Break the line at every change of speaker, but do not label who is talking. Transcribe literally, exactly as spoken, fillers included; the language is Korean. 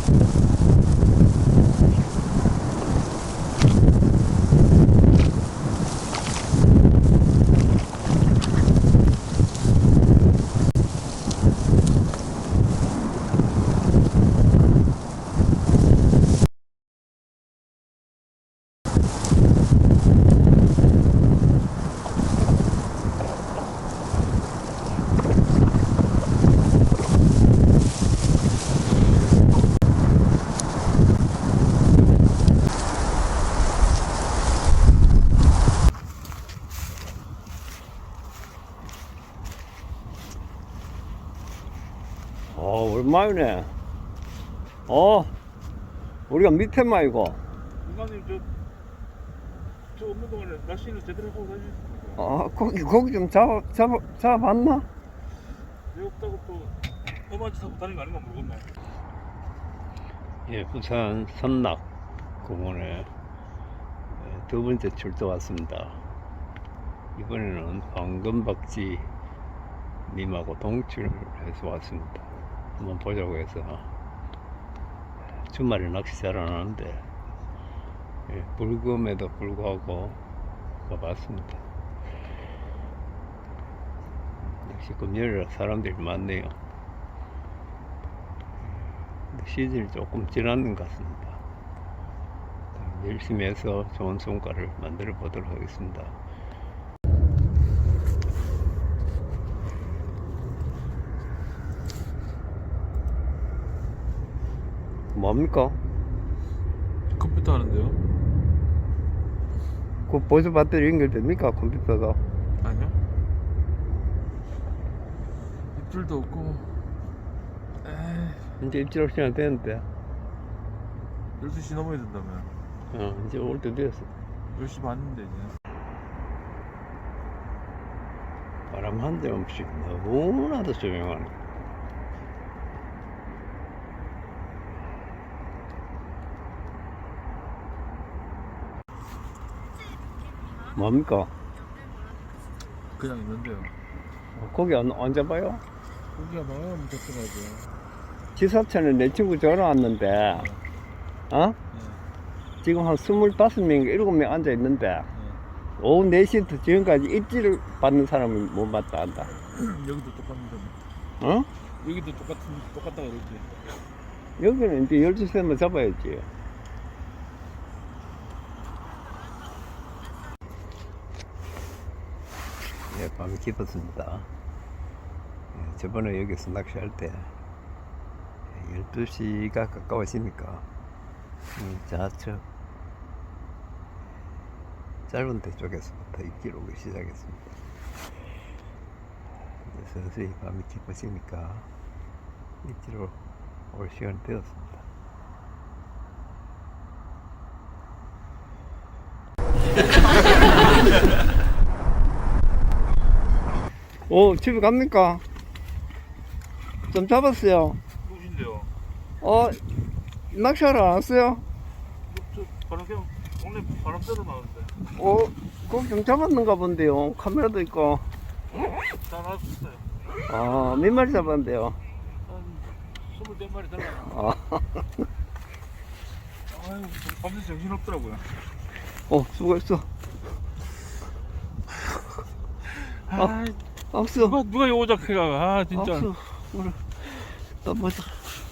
어, 오랜만이네. 어, 우리가 밑에 마이고.
이만님 저, 저 없는 동안에 낚시는 제대로 하고 다니셨습니까?
아, 고기, 고기 좀 잡아, 잡아, 잡아봤나?
왜 없다고 또 험한 짓 하고 다니는 거 아닌가 모르겠네.
예, 부산 선락 공원에 두 번째 출도 왔습니다. 이번에는 황금박쥐 님하고 동출해서 왔습니다. 한번 보자고 해서. 주말에 낚시 잘 안 하는데, 예, 불금에도 불구하고 가봤습니다. 역시 금요일이라 사람들이 많네요. 시즌이 조금 지나는 것 같습니다. 열심히 해서 좋은 성과를 만들어 보도록 하겠습니다. 뭡니까?
컴퓨터 하는데요?
그 보조 배터리 연결됩니까? 컴퓨터가?
아니요. 입줄도 없고. 에이,
이제 입질 올 시간 되는데.
열두 시 넘어야 된다며.
어, 이제 올 때 되었어.
열 시 반인데 이제.
바람 한 대 없이 너무나도 조용하네. 뭡니까?
그냥 있는데요.
고기 안, 안 잡아요?
고기가 나가면 잡더라고요.
지사촌에 내 친구 전화 왔는데, 어?
네.
지금 한 스물다섯 명, 일곱 명 앉아 있는데,
네.
오후 네 시부터 지금까지 입질을 받는 사람은 못 봤다 한다.
여기도 똑같은데.
어?
여기도 똑같은 똑같다 그러지.
여기는 이제 열두 시면 잡아야지. 예, 밤이 깊었습니다. 예, 저번에 여기서 낚시할 때 열두 시가 가까워지니까 음, 좌측 짧은 데 쪽에서부터 입질 오기 시작했습니다. 이제 서서히 밤이 깊어지니까 입질로 올 시간이 되었습니다. 오, 집에 갑니까? 좀 잡았어요.
누구신데요?
어, 낚시하러 안 왔어요?
저 바람 그냥 원래 바람 쐬러 나왔는데.
어, 거기 좀 잡았는가 본데요. 카메라도 있고.
다 나왔어요.
아, 몇 마리 잡았는데요?
한 스물네 마리 달라.
아,
아유, 밤새 정신 없더라고요.
어, 수고했어.
아,
없어.
누가 누가 요작해가? 아 진짜.
없어. 오늘 또 보자.